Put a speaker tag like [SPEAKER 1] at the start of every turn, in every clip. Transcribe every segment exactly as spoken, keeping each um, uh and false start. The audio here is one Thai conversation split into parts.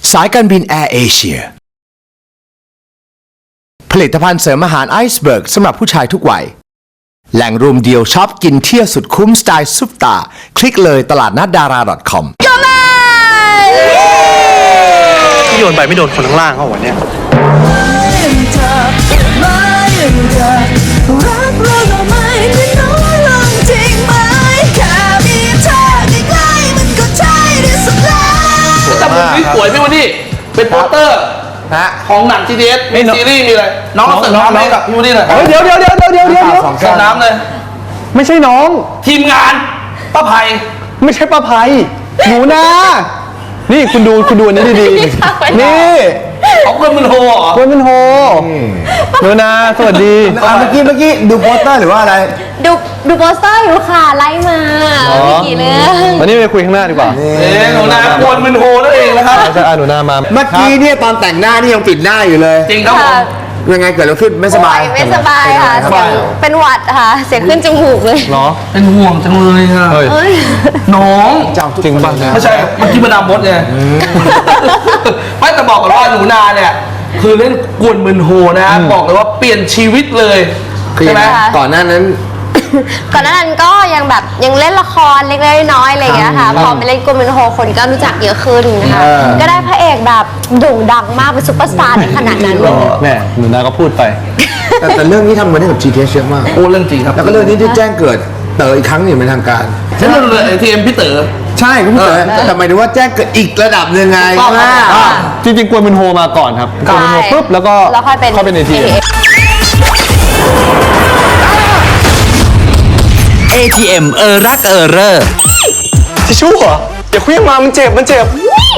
[SPEAKER 1] สายการบินแอร์เอเชียผลิตภัณฑ์เสริมอาหารไอซ์เบิร์กสำหรับผู้ชายทุกวัยแหล่งรวมเดียวช็อปกินเที่ยวสุดคุ้มสไตล์ซุปตาคลิกเลยตลาดนัดดารา .com
[SPEAKER 2] ที่โยนไปไม่โดนคนข้างล่างเขาวันเนี้ย
[SPEAKER 3] แต่ผมนี่สวยพี่วันนี้เป็นโปสเตอร์ของหนัง จี ที เอส มีซีรีส์มีอะไรน้องเสิร์ฟน้ำให้กับพี่วันนี้หน่อย
[SPEAKER 2] เดี๋ยวเดี๋ยวเดี๋ยวเดี๋ยวเดี๋ยวเดี๋ยว
[SPEAKER 3] เสิร์ฟน้ำเลย
[SPEAKER 2] ไม่ใช่น้อง
[SPEAKER 3] ทีมงานป้าไพ
[SPEAKER 2] ไม่ใช่ป้าไพหนูนานี่คุณดูคุณดูอันนี้ดีๆนี่
[SPEAKER 3] เขาเพื่อนมันโฮเหรอ
[SPEAKER 2] คุณเป็นโฮหนูนาสวัสดีเมื่อกี้เมื่อกี้ดูโปสเตอร์หรือว่าอะไร
[SPEAKER 4] ดูดูโปสเตอร์อยู่ค่ะไล่มาไม่กี่เรื่อง
[SPEAKER 2] วันนี้ไปคุยข้างหน้าดีกว่า
[SPEAKER 3] เอ๊ะหนูนากวนมันโฮนั่นเองนะครับ
[SPEAKER 2] ใช่หนูนามา
[SPEAKER 5] เมื่อกี้เนี่ยตอนแต่งหน้านี่ยังปิดหน้าอยู่เลย
[SPEAKER 3] จริงครับผม
[SPEAKER 5] ยังไงเกิดอะไรขึ้นไม่สบาย
[SPEAKER 4] โอ้ไม่สบายค่ะเสียงเป็นหวัดค่ะเสียงขึ้นจมูกเลย
[SPEAKER 2] เนาะ
[SPEAKER 3] เป็นห่วงจังเลยค่ะ
[SPEAKER 2] เฮ้ย
[SPEAKER 4] เอ้ย
[SPEAKER 3] น้อง
[SPEAKER 2] จริงป่ะ
[SPEAKER 3] ไม่ใช่เมื่อกี้มาดามมดไงไม่แต่บอกก่อนว่าหนูนาเนี่ยคือเล่นกวนมึนโฮนะฮะบอกเลยว่าเปลี่ยนชีวิตเลยใช่ไหม
[SPEAKER 5] ก่อนหน้านั้น
[SPEAKER 4] ก่อนหน้านั้นก็ยังแบบยังเล่นละครเล็กๆน้อยๆอะไรอย่างเงี้ยค่ะพอไปเล่นกูมินโฮคนก็รู้จักเยอะขึ้นนะคะก็ได้พระเอกแบบโด่งดังมากเป็นซุปเปอร์สตาร์ในขนาดนั้นเลย
[SPEAKER 2] แม่หนูนาก็พูดไป
[SPEAKER 5] แต่แต่เรื่องนี้ทำมาได้กับ จี ที เอส เยอะมาก
[SPEAKER 3] โอ้เรื่องจริงครับ
[SPEAKER 5] แล้วก็เรื่องนี้ที่แจ้งเกิดเต๋ออีกครั้งหนึ่งเป็นทางการ
[SPEAKER 3] ฉันเรื่องเลยทีเอ็มพี่เต๋อ
[SPEAKER 5] ใช่คุณพี่เต๋อแต่หมายถึงว่าแจ้งเกิดอีกระดับหนึ่งไง
[SPEAKER 3] ถูกต้องครับ
[SPEAKER 5] อ่า
[SPEAKER 2] จริงๆกวนเป็นโฮมาก่อนครับกวนเป็นโฮปุ๊บแล้วก็
[SPEAKER 4] แล้วค่อยเป็น
[SPEAKER 2] เข้าเป็นเอที
[SPEAKER 6] เอ ที เอ็ม เออรักเออเร่อ
[SPEAKER 2] ทิชชู่เหรออย่าเคลื่อนมามันเจ็บมันเจ็บ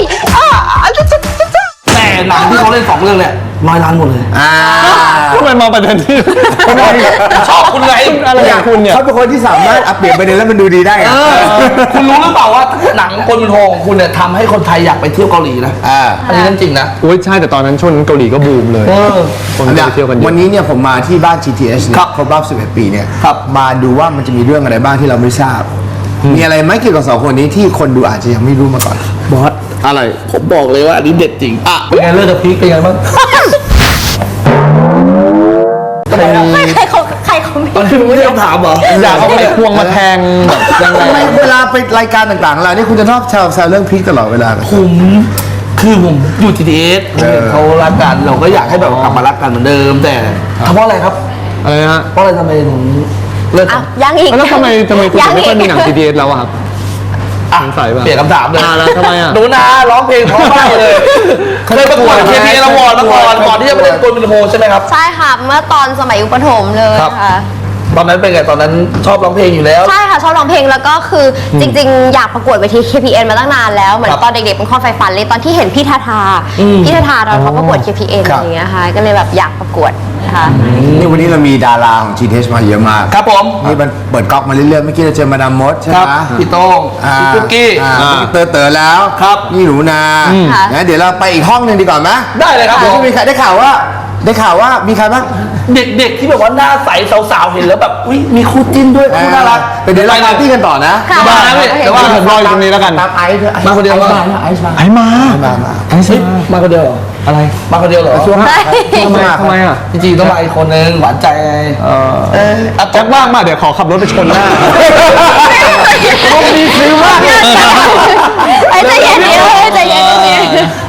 [SPEAKER 3] แต่หนังที่เขาเล่นสองเรื่องเนี่ยร้อยล้านหมดเลย
[SPEAKER 5] อ่า
[SPEAKER 2] ทำไมมาประเด็นที่
[SPEAKER 3] ชอบคุณไง
[SPEAKER 2] อะไรอย่างคุณเนี่ย
[SPEAKER 5] เขาเป็นคนที่สามารถอัปเปลี่ยนประเด็นแล้วมันดูดีได้ไง
[SPEAKER 3] เออคุณรู้หรือเปล่าว่าหนังคนเป็นโฮของคุณเนี่ยทำให้คนไทยอยากไปเที่ยวเกาหลีนะ
[SPEAKER 5] อ่า
[SPEAKER 3] อันนี้เรื่องจริงนะ
[SPEAKER 2] โอ้ยใช่แต่ตอนนั้นช่วงนั้นเกาหลีก็บูมเลย
[SPEAKER 3] เออ
[SPEAKER 2] คนก็ไปเที่ยวกันเย
[SPEAKER 5] วัน
[SPEAKER 2] อะ
[SPEAKER 5] นี้เนี่ยผมมาที่บ้าน จี ที เอส เนี่ย
[SPEAKER 3] ครับ
[SPEAKER 5] ครบรอบสิบเอ็ดปีเนี่ย
[SPEAKER 3] ครับ
[SPEAKER 5] มาดูว่ามันจะมีเรื่องอะไรบ้างที่เราไม่ทราบ มีอะไรไหมเกี่ยวกับสองคนนี้ที่คนดูอาจจะยังไม่รู้มาก่อน
[SPEAKER 3] บอสอะไรผมบอกเลยว่าอันนี้เด็ดจริงอ่ะเป็นไงเลิกกับพีคเป็นไงบ้าง
[SPEAKER 4] ใครใครเขาใครเขาไม่
[SPEAKER 3] ตอนที่มึงไม่ได้คำถามเหรอ
[SPEAKER 2] อยากเอาไขควงมาแทงแบบยังไง
[SPEAKER 5] ทำไมเวลาไปรายการต่างๆเรานี่คุณจะชอบแซวแซวเรื่องพีคตลอดเวลาเลย
[SPEAKER 3] ผมคือผมอยู่ จี ที เอส
[SPEAKER 5] เออ
[SPEAKER 3] เขารักกันเราก็อยากให้แบบกลับมารักกันเหมือนเดิมแต่ทำเพราะอะไรครับ
[SPEAKER 2] อะไรนะฮะ
[SPEAKER 3] เพราะอะไรทำไมถึงเลิกกั
[SPEAKER 4] อ่ะ
[SPEAKER 3] น
[SPEAKER 4] ยังอีก
[SPEAKER 2] แล้วทำไมทำไมคุณถึงไม่ค่อยมีหนัง
[SPEAKER 4] ก
[SPEAKER 2] จี ที เอส แล้วอะครับ
[SPEAKER 3] อ่ะ
[SPEAKER 2] สงสัยป่ะ
[SPEAKER 3] เปลี่ยนคำถามเลย
[SPEAKER 2] อ่าแล้วทำไมอ่ะ
[SPEAKER 3] หนูนาร้องเพลงเพราะมากเลยเคยประกวด เค พี เอ อวอร์ดมาก่อนก่อนที่จะไปเล่นกวนเป็นโฮใช่ไหมครับ
[SPEAKER 4] ใช่ค่ะเมื่อตอนสมัยยุคประถมเลย
[SPEAKER 3] ครับ
[SPEAKER 4] ค่ะ
[SPEAKER 3] ตอนนั้นเป็นไงตอนนั้นชอบร้องเพลงอยู่แล้ว
[SPEAKER 4] ใช่ค่ะชอบร้องเพลงแล้วก็คืออจริงๆ อยากประกวดเวที เค พี เอ็น มาตั้งนานแล้วเหมือน
[SPEAKER 3] ครับ
[SPEAKER 4] ตอนเด็กๆเป็นข้อไฟฝันเลยตอนที่เห็นพี่ทาทา
[SPEAKER 3] อืม
[SPEAKER 4] พี่ทาทาตอนเขาประกวด เค พี เอ็น
[SPEAKER 5] ครับ
[SPEAKER 4] อย่างเงี้ยค่ะก็เลยแบบอยากประกวดนะคะ
[SPEAKER 5] นี่วันนี้เรามีดาราของ จี ที เอส มาเยอะมาก
[SPEAKER 3] ครับผม
[SPEAKER 5] นี่มันเปิดก๊อกมาเรื่อยๆเมื่อกี้เราเจอมาดามมดใช่ไห
[SPEAKER 3] ค
[SPEAKER 5] ม
[SPEAKER 3] รับพี่โต้ง
[SPEAKER 5] อ่า
[SPEAKER 3] พี่กุ๊กกี้
[SPEAKER 5] อ่าเต๋อเต๋อแล้ว
[SPEAKER 3] ครับ
[SPEAKER 5] นี่หนูนา
[SPEAKER 4] ค่ะ
[SPEAKER 5] นะเดี๋ยวเราไปอีกห้องหนึ่งดีกว่าไหม
[SPEAKER 3] ได้เลยครับผ
[SPEAKER 5] เดี๋ยว
[SPEAKER 3] ม
[SPEAKER 5] จะมีใครได้ข่าวว่า ได้ข่าวว่ามีใครบ้าง
[SPEAKER 3] เด็กๆที่แบบว่าหน้าใสสาวๆเห็นแล้วแบบอุ้ยมีคู่จิ้นด้วยคู่น่ารัก
[SPEAKER 5] ไปเดี๋ยวเราปาร์ตี้กันต่อนะ
[SPEAKER 4] ค่ะ
[SPEAKER 3] มาแล้วพี่แต่ว่า
[SPEAKER 2] ผมรออยู่ตรงนี้แล้วกัน
[SPEAKER 5] ตามไอซ์เถอะ
[SPEAKER 3] มาคนเดียวเหรอ
[SPEAKER 5] ไอซ์มา
[SPEAKER 2] ไอ้มา
[SPEAKER 5] มามา
[SPEAKER 2] ไอ้สิ
[SPEAKER 3] มาคนเดียวเหรอ
[SPEAKER 2] อะไร
[SPEAKER 3] มาคนเดียวเหรอ
[SPEAKER 5] ช่วงห้า
[SPEAKER 2] ทำไมทำไมอ่ะ
[SPEAKER 3] จริงๆต้องมาอีกคนนึงหวานใจไง
[SPEAKER 2] เออ
[SPEAKER 3] เอออ่ะ
[SPEAKER 2] แจ็คว่างมาเดี๋ยวขอขับรถไปชนหน้า
[SPEAKER 5] มีซื้อมากเลย
[SPEAKER 4] ไอ้ใจเย็นๆเลยใจเย็นๆเนี่ย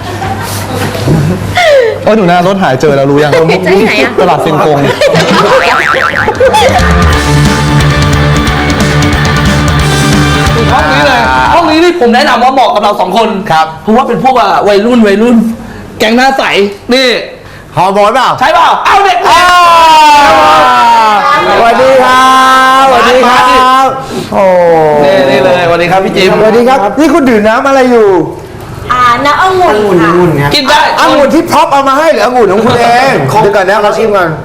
[SPEAKER 2] เออหนูนารถหายเจอแล้วรู้ยัง
[SPEAKER 4] จะที่ไหนอะ
[SPEAKER 2] ตลาดเซนกง
[SPEAKER 3] ห้องนี้เลยห้องนี้นี่ผมแนะนำว่าเหมาะกับเราสองคนครับเพราะว่าเป็นพวกอ่ะวัยรุ่นวัยรุ่น แก๊งหน้าใสนี่
[SPEAKER 5] หอมอนเปล่า
[SPEAKER 3] ใช่เปล่าเอาเด็กๆ
[SPEAKER 5] สวัสดีครับสวัสดีครับโอ้
[SPEAKER 3] นี่นี่เลยสวัสดีครับพี่จิม
[SPEAKER 5] สวัสดีครับนี่คุณดื่มน้ำอะไรอยู่
[SPEAKER 4] อ่าน้ำองุ่นค่ะ
[SPEAKER 3] กินได้
[SPEAKER 5] องุ่นที่พ็อปเอามาให้หรือองุ่นของคุณเองเดี๋ยวก่อนนะเราชิมก่อน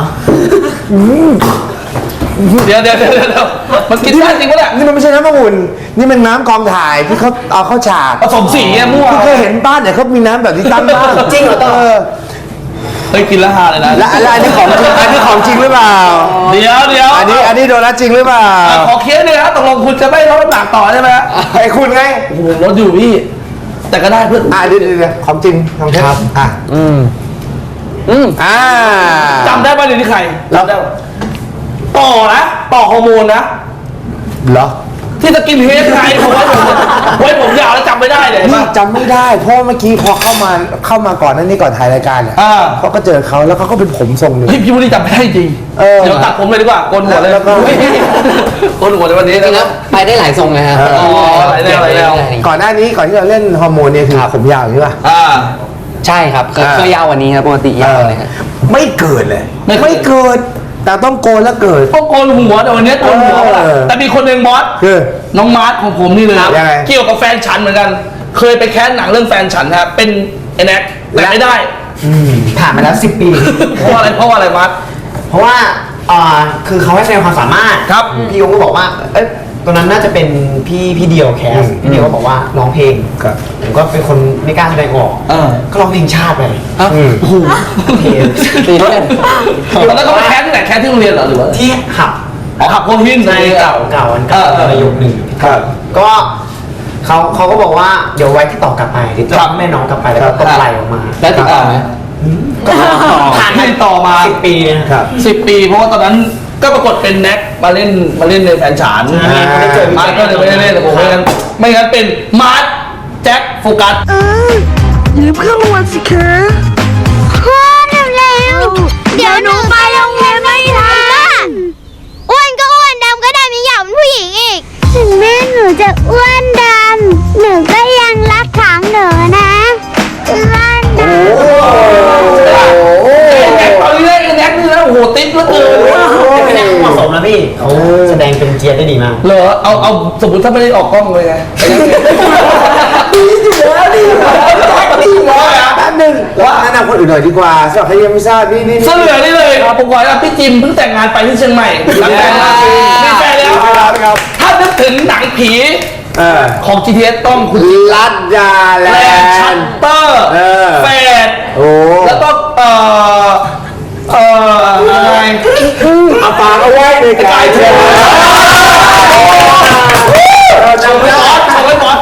[SPEAKER 3] เดี๋ยวเดี๋ยวเดี๋ยวเดี๋ยวมันกินได้จริงปะเนี่ย
[SPEAKER 5] นี่มันไม่ใช่น้ำองุ่นนี่มันน้ำกองถ่ายที่เขาเอาเข้าฉาก
[SPEAKER 3] ผสมสีไงมั่ว
[SPEAKER 5] คุณเคยเห็นบ้านเนี่ยเขามีน้ำแบบนี้ตั้งบ้างจริงเหรอเออ
[SPEAKER 3] เฮ้ยกินแล้วฮาเลยนะ
[SPEAKER 5] และและอันนี้ของจริงอันนี้ของจริงหรือเปล่า
[SPEAKER 3] เดี๋ยวเดี๋ยว
[SPEAKER 5] อันนี้อันนี้โดนัทจริงหรือเปล่า
[SPEAKER 3] อ่ะขอเคสเลยครับตกลงคุณจะไม่ลดน้ำหนักต่อใช่ไหมฮะ
[SPEAKER 5] ไอ้คุณไง
[SPEAKER 3] โอ้โหลดอยู่พี่แต่ก็ได้เพื่อน
[SPEAKER 5] อ่ะเดี๋ยวเดี๋ยวเดี๋ยวของจริงของเท็จอ่ะ
[SPEAKER 2] อืมอืม
[SPEAKER 5] อ่า
[SPEAKER 3] จำได้ป่ะเดี๋ยวนี้ใครจำได้ปะต่อนะต่อฮอร์โมนนะ
[SPEAKER 5] เหรอ
[SPEAKER 3] ที่สกินเฮดไงผมว่าผมไว้ผมยาวแล้วจำไม่ได้เลย
[SPEAKER 5] นี่
[SPEAKER 3] ป่ะ
[SPEAKER 5] จำไม่ได้เพราะเมื่อกี้พอเข้ามาเข้ามาก่อนนั่นนี่ก่อนถ่ายรายการเนี่ย
[SPEAKER 3] อ่า
[SPEAKER 5] เขาก็เจอเขาแล้วเขาก็เป็นผมทรงหนึ่ง
[SPEAKER 3] เฮ้ยพี่วุฒิจำไม่ได้จริง
[SPEAKER 5] เออ
[SPEAKER 3] เดี๋ยวตัดผมเลยดีกว่าโกนหัวเลย
[SPEAKER 5] แล้วก็
[SPEAKER 3] โกนหัวในวันนี้
[SPEAKER 7] จริงๆ
[SPEAKER 3] นะ
[SPEAKER 7] แล้วไปได้หลายทรงเลยครับ
[SPEAKER 3] อ๋อหลายแนวหลายแนว
[SPEAKER 5] ก่อนหน้านี้ก่อนที่เราเล่นฮอร์โมนเนี่ยคือผมยาวใช่ป่ะ
[SPEAKER 3] อ่า
[SPEAKER 7] ใช่ครับเคย
[SPEAKER 5] อ่า
[SPEAKER 7] เคยยาวกวันนี้ครับปกติยาวเลยครับ
[SPEAKER 5] ไม่เกิดเลย
[SPEAKER 3] ไม่เกิด
[SPEAKER 5] ไม่เกิด แต่ต้องโกนแล้วเกิด
[SPEAKER 3] ต้องโกนหัวแต่วันนี้โกนหัวเปล่า
[SPEAKER 5] เออ
[SPEAKER 3] แต่มีคนหนึ่งบอส
[SPEAKER 5] คือ
[SPEAKER 3] น้องมาร์ทของผมนี่เลย
[SPEAKER 5] ยังไง
[SPEAKER 3] เกี่ยวกับแฟนฉันเหมือนกัน เคยไปแคสหนังเรื่องแฟนฉันครับเป็นไอ้แน็กแต่ไม่ได้
[SPEAKER 8] ผ่านมาแล้วสิบปี
[SPEAKER 3] เพราะอะไรเพราะว่าอะไรมาร์ท
[SPEAKER 8] เพราะว่าอ่าคือเขาให้แสดงความสามารถ
[SPEAKER 3] ครับ
[SPEAKER 8] พี่ยงก็บอกว่า เอ้ยตอนนั้นน่าจะเป็นพี่พี่เดียวแคส พี่เดียวก็บอกว่าร้องเพลง
[SPEAKER 5] ครับ
[SPEAKER 8] ผมก็เป็นคนไม่กล้าแสดงออก
[SPEAKER 3] เออ
[SPEAKER 8] ก็ร้องเพลงชาติไป
[SPEAKER 5] อืม
[SPEAKER 8] เพลง
[SPEAKER 7] ตีเล่น
[SPEAKER 3] ตอนนั้นก็ไปแคสที่ไหนแคสที่โรงเรียนเหรอหรือว่า
[SPEAKER 8] ที่ขับ
[SPEAKER 3] อ๋อขับโคหิน
[SPEAKER 8] ในเก่าเก่าอันเก่า
[SPEAKER 3] เออเออ
[SPEAKER 8] ประโยคหนึ่ง
[SPEAKER 5] ครับ
[SPEAKER 8] ก็เขาเขาก็บอกว่าเดี๋ยวไว้ที่ต่อกลับไปติดต่อแม่น้องกลับไปแล้วก็ต้องไล่ออกมา
[SPEAKER 7] แล้วติดต่อไหม
[SPEAKER 8] ก็ผ่าน
[SPEAKER 3] ให้ต่อมา
[SPEAKER 8] สิบปีนะครับ
[SPEAKER 3] สิบปีเพราะว่าตอนนั้นก็ปรากฏเป็นแน็กมาเล่นมาเล่นในแฟนฉัน
[SPEAKER 8] อ่าไม่ได้เจอพี่
[SPEAKER 3] มาร์ทก็เลยไม่ได้เล่นแต่ผมไม่งั้นไม่งั้นเป็นมาร์ทแจ็คโฟกัส
[SPEAKER 4] พ่อเร็วๆเดี๋ยวหนูไปโรงเรียนไม่ทันอ้วนก็อ้วนดำก็ดำยังอยากเป็นผู้หญิงอีก ถึงแม่หนูจะอ้วนดำหนูก็ยังรักของหนูนะอ้วนดำ
[SPEAKER 3] แน็กเอาเรื่องแน็กนี่แล้วโอ้โหติ๊บเหลือเกิน
[SPEAKER 8] ไม่ได้เหมาะสมนะพี่เขาแสดงเป็นเกียร์ได้ดีมาก
[SPEAKER 3] เหรอเอาเอาสมมติถ้าไม่ได้ออกกล้องเลยไง
[SPEAKER 5] ดีร้อยอ่ะแป๊บนึงว่าแนะนำคนอื่นหน่อยดีกว่าสำหรับใครยังไม่ทราบนี่นี่
[SPEAKER 3] เสลือนี่เลยผมบอกว่าพี่จิมเพิ่งแต่งงานไปที่เชียงใหม่หลังแต่งงานมีแฟนแล้ว
[SPEAKER 5] ครับ
[SPEAKER 3] ถ้านึกถึงหนังผี
[SPEAKER 5] เออ
[SPEAKER 3] ของ จี ที เอส ต้องคุณ
[SPEAKER 5] ลัดยาแล
[SPEAKER 3] แลนด์ชั
[SPEAKER 5] น
[SPEAKER 3] ต
[SPEAKER 5] ด์
[SPEAKER 3] เตอร์
[SPEAKER 5] เออ
[SPEAKER 3] แฟด
[SPEAKER 5] โอ้
[SPEAKER 3] แล้วก็เอ่อเอ่อยังไง
[SPEAKER 5] เอาปากเอาไว้ใน
[SPEAKER 3] กาก
[SPEAKER 5] าย ย
[SPEAKER 3] เที
[SPEAKER 5] เที
[SPEAKER 3] ย
[SPEAKER 5] ย
[SPEAKER 3] ม
[SPEAKER 5] มเรา
[SPEAKER 3] ชม
[SPEAKER 5] จำ
[SPEAKER 3] ไว้
[SPEAKER 5] ได้
[SPEAKER 3] บอสชมไว้บอส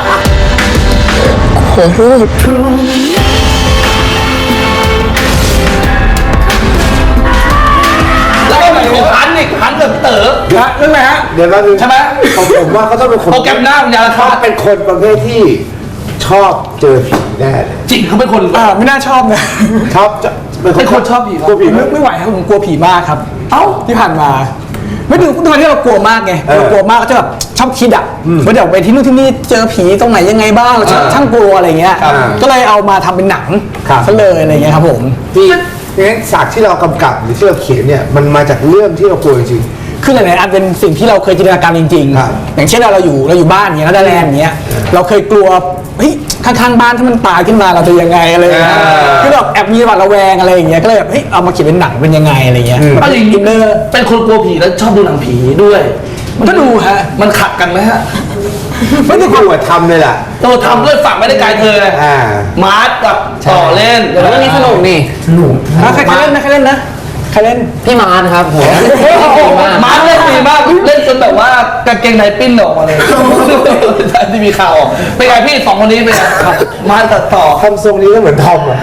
[SPEAKER 3] แล้วก็เหมือนของพันอีกพันกับพี่เต๋อ
[SPEAKER 5] เดี๋ยวนั่นแหละฮะเดี๋ยวเราดู
[SPEAKER 3] ใช่ไหม
[SPEAKER 5] ผมผมว่าเขาต้องเป็นคน
[SPEAKER 3] โปรแกรมหน้าวิญญาณ
[SPEAKER 5] เขา
[SPEAKER 3] คาต
[SPEAKER 5] เป็นคนประเภทที่ชอบเจอผีแน่เลย
[SPEAKER 3] จริงเขาเป็นคน
[SPEAKER 2] อ่าไม่น่าชอบนะ
[SPEAKER 5] ชอบจะ
[SPEAKER 3] เป็นคนชอบผีครับ
[SPEAKER 5] กลัวผีไหม
[SPEAKER 2] ไม่ไม่ไหวครับผมกลัวผีมากครับ เอ้าที่ผ่านมา ไม่ดูทุกวันที่เรากลัวมากไง
[SPEAKER 5] เออ
[SPEAKER 2] เรากลัวมากก็จะแบบชอบคิดอ่ะว่าเดี๋ยวไปที่นู่นที่นี่เจอผีตรงไหนยังไงบ้างเราช่างช่างกลัวอะไรเงี้ย
[SPEAKER 5] ครับ
[SPEAKER 2] ก็เลยเอามาทำเป็นหนัง
[SPEAKER 5] ครับ
[SPEAKER 2] ซะเลยอะไรเงี้ยครับผม
[SPEAKER 5] ที่งั้นฉากที่เรากำกับหรือที่เราเขียนเนี่ยมันมาจากเรื่องที่เรากลัวจริง
[SPEAKER 2] คือหลายๆอันเป็นสิ่งที่เราเคยจินตนาการจริง
[SPEAKER 5] ครับ
[SPEAKER 2] ๆ อย่างเช่นเราเราอยู่เราอยู่บ้านอย่างเงี้ยแล้วได้แลนด์อย่างเงี้ยเราเคยกลัวเฮ้ยข้างๆบ้านถ้ามันตายขึ้นมาเราจะยังไงอะไรอย่างเงี้ย
[SPEAKER 5] อ่า
[SPEAKER 2] คือแบบแอบมีหวาดระแวงอะไรอย่างเงี้ยก็เลยแบบเฮ้ยเอามาเขียนเป็นหนังเป็นยังไงอะไรเงี้ย
[SPEAKER 5] อืม
[SPEAKER 3] เอาอย่างนี้เป็นคนกลัวผีแล้วชอบดูหนังผีด้วย
[SPEAKER 2] มันก็ดูฮะ
[SPEAKER 3] มันขัดกันไหมฮะ
[SPEAKER 5] ๆ ไม่ได้กลัวทำเลยล่ะ
[SPEAKER 3] ตัวทำด้วยฝักไม่ได้ไกลเธอไง
[SPEAKER 5] อ่า
[SPEAKER 3] มาร์ทกับต่อเล่น
[SPEAKER 7] เรื่องนี้สนุกนี่
[SPEAKER 2] อ่ะใครใครเล่นนะใครเล่นนะใครเล่น
[SPEAKER 7] พี่มาร์ทครับผม
[SPEAKER 3] มาร์ทเล่นดีมากเล่นจนแบบว่ากางเกงในปิ้นออกมาเลยที่มีข่าวออกเป็นไงพี่สองคนนี้เป็นไงมาร์ทกับต่อ
[SPEAKER 5] ทำทรงนี้ก็เหมือนทอมอ่ะ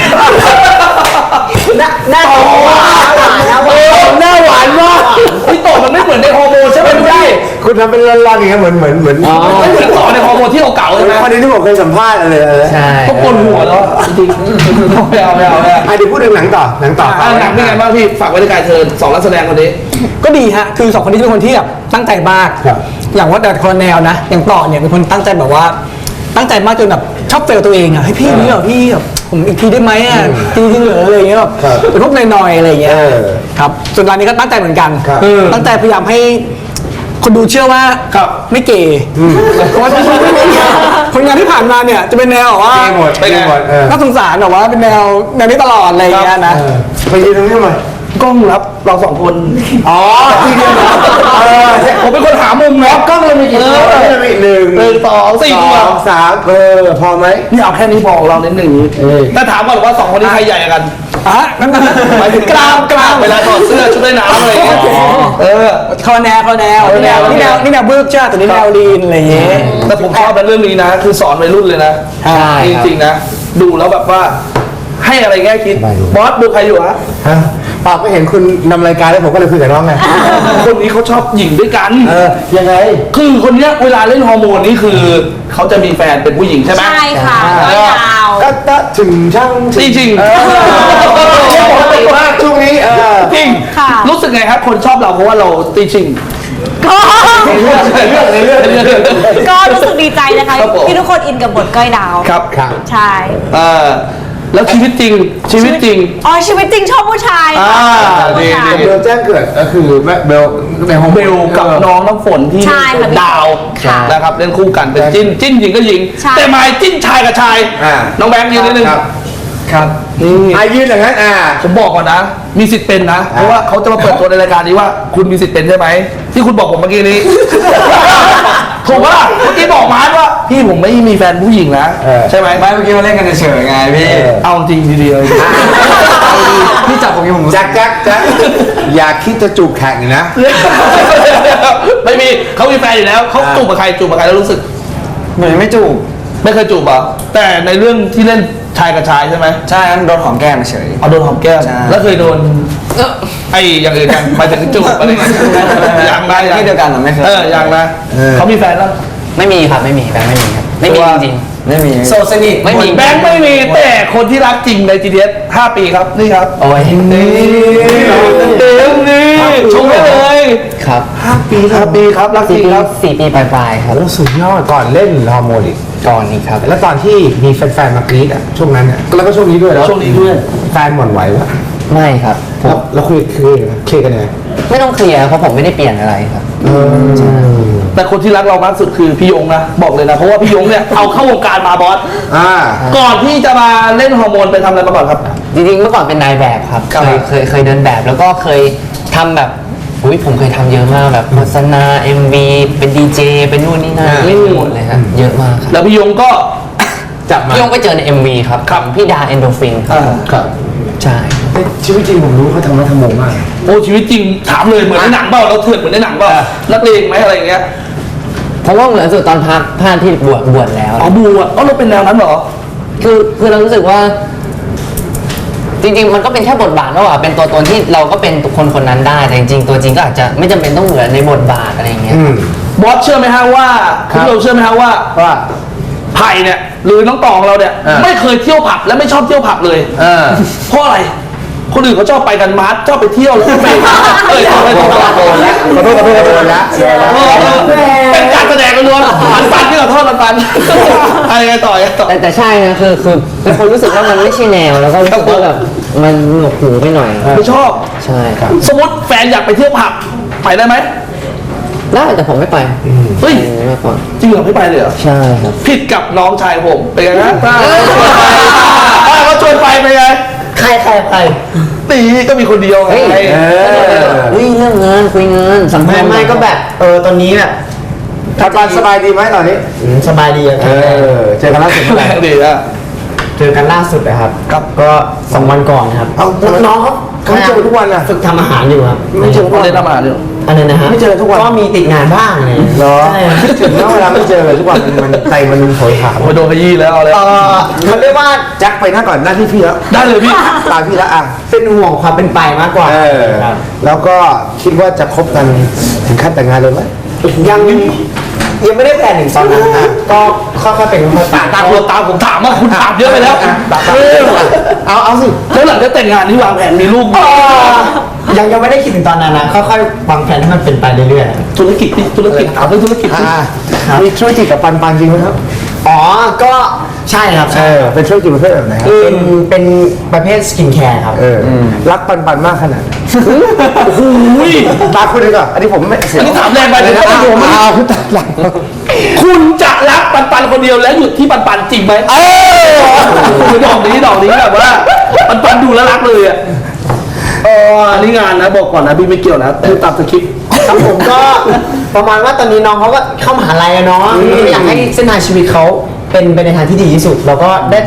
[SPEAKER 8] หน้าหวานนะ
[SPEAKER 5] เออหน้าหวานมาก
[SPEAKER 3] พี่ต่อมันไม่เหมือนในฮอร์โมนใช่ไหมพี่
[SPEAKER 5] คุณทำเป็นลอนๆอย่างเงี้ยเหมือนเหมือนเหมือน
[SPEAKER 3] ไม่เหมือนต่อในฮอร์โมนที่เก่าๆใช่ไหม
[SPEAKER 5] คนนี้ที่ผมเคยสัมภาษณ์อะไรอะไร
[SPEAKER 7] ใช่
[SPEAKER 3] ก็ปวดหัวแล้วจริงๆไม่เอาไม่เอาไม่เอา
[SPEAKER 5] อ่ะเดี๋ยวพูดถึงหนังต่อหนังต่อ
[SPEAKER 3] อ่ะหนังเป็นไงบ้างพี่ฝากไว้ในกายเธอสองนักแสดงคนนี้
[SPEAKER 2] ก็ดีฮะคือสองคนนี้เป็นคนที่แบบตั้งใจมาก
[SPEAKER 5] ครับ
[SPEAKER 2] อย่างว่าแต่คนละแนวนะอย่างต่อเนี่ยเป็นคนตั้งใจแบบว่า ตั้งใจมากจนแบบชอบเฟลตัวเองอ่ะเฮ้ยพี่นี่เหรอพี่แบบผมอีกทีได้ไหมอ่ะจริงๆเหรออะไรอย่างเงี้ยแบบ
[SPEAKER 5] ครับ
[SPEAKER 2] เป็นพวกหน่อยๆอะไรอย่างเงี้ย
[SPEAKER 5] เออ
[SPEAKER 2] ครับส่วนรายนี้ก็ตั้งใจเหมือนกัน
[SPEAKER 5] ครับ
[SPEAKER 2] เออตั้งใจพยายามให้คนดูเชื่อว่า
[SPEAKER 3] ครับ
[SPEAKER 2] ไม่เก๋เพราะว่าผลงานที่ผ่านมาเนี่ยจะเป็นแนวแบบว่า
[SPEAKER 5] เกย์หมดเกย์หมดเออ
[SPEAKER 2] น่าสงสารแบบว่าเป็นแนวแนวนี้ตลอดอะไรอย่างเงี้ยนะ
[SPEAKER 5] เออไปยืนตรงนี้หน่อย
[SPEAKER 3] กล้องรับเราสองคน
[SPEAKER 5] อ๋อที่เดียวเออ
[SPEAKER 3] ผมเป็นคนหามุมนะ
[SPEAKER 5] กล้องเรามีกี่ตัวกล้องเรามีหนึ่ง
[SPEAKER 3] หนึ่งสองสี่
[SPEAKER 5] ส
[SPEAKER 3] ตัว
[SPEAKER 5] องสามเออพอไหม
[SPEAKER 3] นี่เอาแค่นี้พอของเราเน้นหนึ่งนี้แต่ถามก่อนว่าสองคนนี้ใครใหญ่กัน
[SPEAKER 2] อ่ะนั่นนั่น
[SPEAKER 3] หมายถึงกล้ามกล้ามเวลาถอดเสื้อชุดว่ายน้ำอะไรอย่างเงี้ยเออ
[SPEAKER 2] คอแนวคอแนวนี่แนวนี่แนวนี่แนวบึ้กใช่ไหมแต่นี่แนวลีนอะไรอย่างเงี้ย
[SPEAKER 3] แต่ผมชอบเป็นเรื่องนี้นะ คือสอนวัยรุ่นเลยนะ
[SPEAKER 7] ใช่ครับ
[SPEAKER 3] จริงๆนะ ดูแล้วแบบว่า ให้อะไรแง่คิดบอสดูใครอยู่ฮะ
[SPEAKER 5] ฮะเปล่าก็เห็นคุณนำรายการแล้วผมก็เลยคุยกับน้องไง
[SPEAKER 3] คนนี้เขาชอบหญิงด้วยกัน
[SPEAKER 5] เออยังไง
[SPEAKER 3] คือคนเนี้ยเวลาเล่นฮอร์โมนนี่คือเขาจะมีแฟนเป็นผู้หญิงใช่ไหม
[SPEAKER 4] ใช่ค่ะ
[SPEAKER 3] เอ
[SPEAKER 4] ไม่
[SPEAKER 3] อ
[SPEAKER 4] ดาว
[SPEAKER 5] ก็ตะถึงช่าง
[SPEAKER 3] จริงจริง
[SPEAKER 5] เออปกติมากช่วงนี้เออ
[SPEAKER 3] จริง
[SPEAKER 4] ค่ะ
[SPEAKER 3] รู้สึกไงครับ คนชอบเราเพราะว่าเราตีชิง
[SPEAKER 4] ก็
[SPEAKER 3] ในเรื่องในเรื่องในเรื่องในเรื่อง
[SPEAKER 4] ก็รู้สึกดีใจนะคะ
[SPEAKER 3] ครับผม
[SPEAKER 4] ที่ทุกคนอินกับบทก้อยดาว
[SPEAKER 3] ครับ
[SPEAKER 5] ครับ
[SPEAKER 4] ใช่
[SPEAKER 3] เออแล้วชีวิตจริงชีวิตจริง
[SPEAKER 4] อ๋อชีวิตจริงชอบผู้ชาย
[SPEAKER 3] อ่า
[SPEAKER 4] ชอบผู้ชาย
[SPEAKER 3] ดี
[SPEAKER 5] เบลแจ้งเกิดก็คือแม่เบลในห้อง
[SPEAKER 3] เบลกับน้องน้ำฝนที่
[SPEAKER 4] ใช่ค่ะพี่
[SPEAKER 3] ดาว
[SPEAKER 4] ค่ะ
[SPEAKER 3] นะครับเล่นคู่กันเป็นจิ้นจิ้นหญิงก็หญิง
[SPEAKER 4] ใช่
[SPEAKER 3] แต่หมายจิ้นชายกับชาย
[SPEAKER 5] อ่า
[SPEAKER 3] น้องแบงค์ยืนนิดนึง
[SPEAKER 5] ครับ
[SPEAKER 3] ครับนี่
[SPEAKER 5] อายืนอย่างนั้นอ่า
[SPEAKER 3] ผมบอกก่อนนะ มีสิทธิ์เป็นนะ เพราะว่าเขาจะมาเปิดตัวในรายการนี้ว่า คุณมีสิทธิ์เป็นใช่ไหมที่คุณบอกผมเมื่อกี้นี้ ถูกปะล่ะเมื่อกี้บอกมาร์ทว่าพี่ผมไม่มีแฟนผู้หญิงนะ
[SPEAKER 5] เออ
[SPEAKER 3] ใช่ไหม
[SPEAKER 7] ไม่เมื่อกี้มาเล่นกันเฉยๆไงพี่
[SPEAKER 3] เอาจริงดีๆเลย
[SPEAKER 7] พี่จับผมยังผมรู้สึ
[SPEAKER 5] แจ็
[SPEAKER 7] ก
[SPEAKER 5] คแจ็คแจ็คอย่าคิดจะจูบแข่งอีกนะ
[SPEAKER 3] ไม่มีเขามีแฟนอยู่แล้วเขาจูบกับใครจูบกับใครแล้วรู้สึก
[SPEAKER 7] เหมือนไม่จูบ
[SPEAKER 3] ไม่เคยจูบเหรอแต่ในเรื่องที่เล่นชายกับชายใช่ไหม
[SPEAKER 7] ใช่นั้นโดนหอมแก้มเฉย
[SPEAKER 3] เอาโดนหอมแก้ม
[SPEAKER 7] ใช่
[SPEAKER 3] แล้วเคยโดนไอ้อย่างอื่นกันหมายถึงจูบอะไรอย่างเงี้ยยังนะยัง
[SPEAKER 7] ที่เดียวกันเหรอไม่เคย
[SPEAKER 3] เออยังนะ
[SPEAKER 5] เออ
[SPEAKER 3] เขามีแฟนแล้ว
[SPEAKER 7] ไม่มีครับไม่มีแบงค์ไม่มีครับไม่มี
[SPEAKER 3] ตัว
[SPEAKER 7] จริงๆไม่มี
[SPEAKER 2] โซสนิท
[SPEAKER 7] ไม่มี
[SPEAKER 3] แบงค์ไม่มีแต่คนที่รักจริงใน จี ดี เอส ห้าปีครับนี่ครับ
[SPEAKER 7] โอ้ย
[SPEAKER 3] นี่เต็มนี่ชมได้เลย
[SPEAKER 7] ครับ
[SPEAKER 3] ห้าปีห้าปีครับรักจ
[SPEAKER 7] สี่
[SPEAKER 3] ริง
[SPEAKER 7] ปี
[SPEAKER 3] ครับ
[SPEAKER 7] สี่ปีปลายๆครับ
[SPEAKER 5] โอ้สุดยอดก่อนเล่นฮอร์โมนอีก
[SPEAKER 7] ก่อนนี้ครับ
[SPEAKER 5] แล้วตอนที่มีแฟนๆมากรี๊ดอ่ะช่วงนั้นอ่ะแล้วก็ช่วงนี้ด้วยแล้ว
[SPEAKER 3] ช่วงนี้ด้วย
[SPEAKER 5] แฟนหวั่นไหววะ
[SPEAKER 7] ไม่ครับผ
[SPEAKER 5] แล้ว
[SPEAKER 7] ม
[SPEAKER 5] แล้วคุยเคลียร์กันเคลียร์กันยังไง
[SPEAKER 7] ไม่ต้องเคลียร์เพราะผมไม่ได้เปลี่ยนอะไรครับ
[SPEAKER 5] เออ
[SPEAKER 3] แต่คนที่รักเรามากสุดคือพี่ยงนะบอกเลยนะเพราะว่าพี่ยงเนี่ยเอาเข้าวงการมาบอส
[SPEAKER 5] อ่า
[SPEAKER 3] ก่อนที่จะมาเล่นฮอร์โมนไปทำอะไรมาก่อนครับ
[SPEAKER 7] จริงๆเมื่อก่อนเป็นนายแบบครับ
[SPEAKER 3] ครับ
[SPEAKER 7] เคยเคยเคยเดินแบบแล้วก็เคยทำแบบอุ้ยผมเคยทำเยอะมากแบบโฆษณา เอ็ม วี เป็นดีเจเป็นนู่นนี่นั่น
[SPEAKER 5] อ่า
[SPEAKER 7] เล่นหมดเลยครับเยอะมากครับ
[SPEAKER 3] แล้วพี่ยงก็
[SPEAKER 5] จับมา
[SPEAKER 7] พี่ยงไปเจอใน เอ็ม วี ครับ
[SPEAKER 3] ครับ
[SPEAKER 7] พี่ดาเอนโดฟินครับ
[SPEAKER 3] อ่า
[SPEAKER 5] ครับ
[SPEAKER 7] ใช่
[SPEAKER 5] แต่ชีวิตจริงผมรู้เขาทำมาทำโมงมาก
[SPEAKER 3] โอ้ชีวิตจริงถามเลยเหมือนในหนังเปล่าเราเถื่อนเหมือนในหนังเปล่านักเลงไหมอะไรอย่างเงี้ย
[SPEAKER 7] ผมว่าเหมือนสุดตอนพักผ่านที่บวชบวชแล้ว
[SPEAKER 3] อ๋อบูอ่ะอ๋อเราเป็นแนวนั้นเหรอ
[SPEAKER 7] คือคือเรารู้สึกว่า จริง ๆ มันก็เป็นแค่บทบาทว่าว่าเป็นตัวตนที่เราก็เป็นคนคนนั้นได้แต่จริงๆตัวจริงก็อาจจะไม่จำเป็นต้องเหมือนในบทบาทอะไรอย่างเงี้ย
[SPEAKER 5] อืม
[SPEAKER 3] บอสเชื่อไหมฮะว่า
[SPEAKER 5] ครั
[SPEAKER 3] คุ
[SPEAKER 5] บ
[SPEAKER 3] ณเราเชื่อไหมฮะว่า
[SPEAKER 5] ว่า
[SPEAKER 3] ไผ่เนี่ยหรือน้องตองเราเนี่ย
[SPEAKER 5] อ่า
[SPEAKER 3] ไม่เคยเที่ยวผับและไม่ชอบเที่ยวผับเลย
[SPEAKER 5] เออ
[SPEAKER 3] เพราะอะไร คนอื่นเขาชอบไปกันมาร์ทชอบไปเที่ยวแล้วก็ไปเอ้ยไปไปไป
[SPEAKER 5] โดนแล้วขอโทษขอโทษขอโทษแล้ว
[SPEAKER 3] เออเออเป็นการแสดงล้วนๆปันปันที่ขอโทษปันปันอะไรไงต่อยังไงต่อ
[SPEAKER 7] แต่แต่ใช่นะคือคือเป็นคนรู้สึกว่ามันไม่ใช่แนวแล้วก็รู้สึกว่าแบบมันหนวกหูไปหน่อย
[SPEAKER 3] ไม่ชอบ
[SPEAKER 7] ใช่ครับ
[SPEAKER 3] สมมติแฟนอยากไปเที่ยวผับไปได้ไหม
[SPEAKER 7] ได้แต่ผมไม่ไป
[SPEAKER 3] เฮ้ย
[SPEAKER 7] ไปมากกว่า
[SPEAKER 3] จริงเหรอไม่ไปเลยเหรอ
[SPEAKER 7] ใช่ครับ
[SPEAKER 3] ผิดกับน้องชายผมเป็นไงฮะถ้าถ้าเขาชวนไปเป็นไง
[SPEAKER 7] ใครใครใคร
[SPEAKER 3] ตีก็มีคนเดียวไง
[SPEAKER 7] เฮ้ย
[SPEAKER 5] เออ
[SPEAKER 7] เฮ้ยเรื่องงานคุยงานสัมภาษณ์
[SPEAKER 8] ไม่ก็แบบ เออตอนนี้แบบ
[SPEAKER 5] ทัดบานสบายดีไหมตอนนี้
[SPEAKER 8] อืมสบายดีอะ
[SPEAKER 5] เออ เจอกันล่าสุดเมื่อไหร่
[SPEAKER 3] ดีอ่ะ
[SPEAKER 8] เจอกันล่าสุดนะครับ
[SPEAKER 3] ครับ
[SPEAKER 8] ก็สองวันก่อนครับ
[SPEAKER 5] เอาน้องเขาเขาไม่เจอทุกวันอ่ะ
[SPEAKER 8] ฝึกทำอาหารอยู่ครับ
[SPEAKER 5] ไม่เจอทุก
[SPEAKER 3] เขา
[SPEAKER 5] วัน
[SPEAKER 3] เล่นทำอาหารอยู่
[SPEAKER 8] อันนั้นนะฮะ
[SPEAKER 5] ไม่เจอทุกวัน
[SPEAKER 8] ก็มีติดงานบ้างอะไรอย่างเงี้ย
[SPEAKER 5] เหรอ
[SPEAKER 8] ใช่ครับ
[SPEAKER 5] คิดถึงนะเวลาไม่เจอทุกวันมันมันใจมันโหยหา
[SPEAKER 3] โอ้ยโดนขยี้แล้วเอาเลย
[SPEAKER 8] เออเขาเรียกว่า
[SPEAKER 5] แจ็คไปหน้าก่อนหน้าที่พี่แล้ว
[SPEAKER 3] ได้เลยพี่
[SPEAKER 5] ตามพี่แล้วอ่ะ
[SPEAKER 8] เป็นห่วงความเป็นไปมากกว่า
[SPEAKER 5] เออ
[SPEAKER 8] ครับ
[SPEAKER 5] แล้วก็คิดว่าจะคบกันถึงขั้นแต่งงานเลยไหม
[SPEAKER 8] ยังยังไม่ได้แพลนถึงตอนนั้นนะก็ค่อยๆเป็นค่อยๆไป
[SPEAKER 3] ตามตัวตามผมถามว่าคุณถามเยอะไปแล้วเออ
[SPEAKER 5] เอาเอาสิ
[SPEAKER 3] แล้วหลังจากแต่งงานที่วางแผนมีลูกไหม
[SPEAKER 8] ยังยังไม่ได้คิดถึงตอนนั้นนะค่อยๆวางแผนให้มันเป็นไปเรื่อยๆ
[SPEAKER 3] ธุรกิจนี่ธุรกิจถามเรื่องธุรกิจ
[SPEAKER 5] อ่ามีธุรกิจกับปันปันจริงไหมครับ
[SPEAKER 8] อ๋อ ก็ใช่ครับ
[SPEAKER 5] เอ
[SPEAKER 8] ใช่
[SPEAKER 5] อเป็นธุรกิจประเภทแบบไหนครับ
[SPEAKER 8] เป็นเป็นประเภทสกินแคร์ครับ
[SPEAKER 5] เอออรักปันปันมากขนาดไหน
[SPEAKER 3] โอ้โห
[SPEAKER 5] ตาคุณเลยก่อนอันนี้ผมไม่เสีย
[SPEAKER 3] อันนี้ถามแรงไปเลย
[SPEAKER 5] นะ
[SPEAKER 3] นะผม
[SPEAKER 5] อ้าวคุณตาหลัง
[SPEAKER 3] คุณจะรักปันปันคนเดียวและหยุดที่ปันปันจริงไหมเออคือดอกนี้ดอกนี้แบบว่าปันปันดูแล้วรักเลยอ่ะเอออันนี้งานนะบอกก่อนนะพี่ไม่เกี่ยวนะคือตามสคริปต์
[SPEAKER 8] ครับผมก็ประมาณว่าตอนนี้น้องเขาก็เข้ามหาลัยอะเนาะอยากให้เส้นทางชีวิตเขาเป็นไปในทางที่ดีที่สุด แล้วก็ได้แต่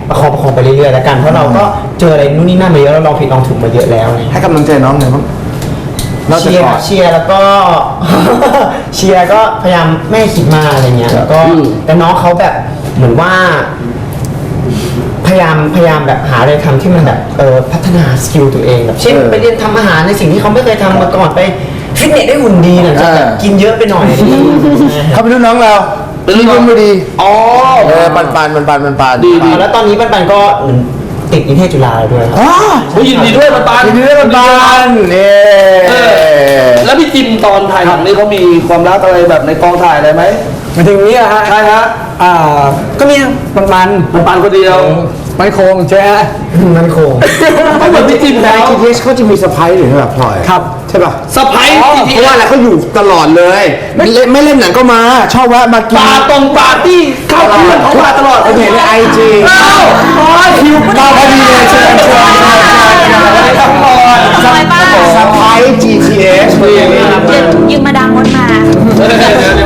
[SPEAKER 8] ประคองประคองไปเรื่อยๆแล้วกันเพราะเราก็เจออะไรนู่นนี่นั่นมาเยอะแล้วลองผิดลองถูกมาเยอะแล้วอะไรอย่างเงี้ย
[SPEAKER 5] ให้กำลังใจน้องหน่อยบ้างนอกจาก
[SPEAKER 8] เชีย
[SPEAKER 5] กอ
[SPEAKER 8] ร์
[SPEAKER 5] ด
[SPEAKER 8] เชียร์แล้วก็ เชียร์ก็พยายามไม่ให้คิดมากอะไรเงี้ยแล้วก็แต่น้องเขาแบบเหมือนว่า พยายามพยายามแบบหาอะไรทำที่มันแบบเออพัฒนาสกิลตัวเองแบบเช่น
[SPEAKER 5] เออ
[SPEAKER 8] ไปเรียนทำอาหารในสิ่งที่เขาไม่เคยทำมาก่อนไปฟิตเนสได้หุ่นดีหลังจากแบบ
[SPEAKER 5] เออ
[SPEAKER 8] กินเยอะไปหน่อย
[SPEAKER 5] เขาเป็นรุ่นน้องเรา
[SPEAKER 3] เป็นรุ่นน้อง
[SPEAKER 5] ที่ไม่ดี
[SPEAKER 3] อ๋อ
[SPEAKER 5] เออปันปันปันปันปันปัน
[SPEAKER 3] ดีดี
[SPEAKER 8] แล้วตอนนี้ปันปันก็เหมือนติดนิเทศจุฬาด้วยครับ
[SPEAKER 5] อ๋อ
[SPEAKER 3] โอ้ยยินดีด้วยปันปัน
[SPEAKER 5] ยินดีด้วยปันปันเนี่
[SPEAKER 3] เออแล้วพี่จิมตอนถ่ายหนังนี่เขามีความรักอะไรแบบในกองถ่ายอะไรไหม
[SPEAKER 2] มาถึงนี้อะฮะ
[SPEAKER 3] ใช่ฮะ
[SPEAKER 2] อ่าก็มีมันมัน
[SPEAKER 3] ปันปันคนเดียว
[SPEAKER 2] มันโคงใช่ไหมฮะ
[SPEAKER 8] มันคง
[SPEAKER 3] ก็เหมือนพี่จิม
[SPEAKER 5] ใน
[SPEAKER 3] แล้ว
[SPEAKER 5] ทีทีเอสเขาจะมีสไปร์หรือแบบพลอย
[SPEAKER 2] ครับ
[SPEAKER 5] ใช่ป่ะ
[SPEAKER 3] สไปร์
[SPEAKER 5] เพราะว่าอะไรเขาอยู่ตลอดเลย ไม่เล่นไม่เล่นหนังก็มา ชอบแวะมากิน
[SPEAKER 3] ปาตรงปาร์ตี้เข้าเพื่อนเขามาตลอด
[SPEAKER 5] ผมเห็นในไอจี
[SPEAKER 3] เอ้าโอ้ยคิว
[SPEAKER 5] มาพอดีเลยเชิญเชิญเชิญเชิญ
[SPEAKER 3] ทั้งหมด
[SPEAKER 5] สไปร์ จี ที เอส
[SPEAKER 3] นี่นี่
[SPEAKER 9] ยืมมาดามมดมา
[SPEAKER 3] เดี๋ยวเดี๋ยว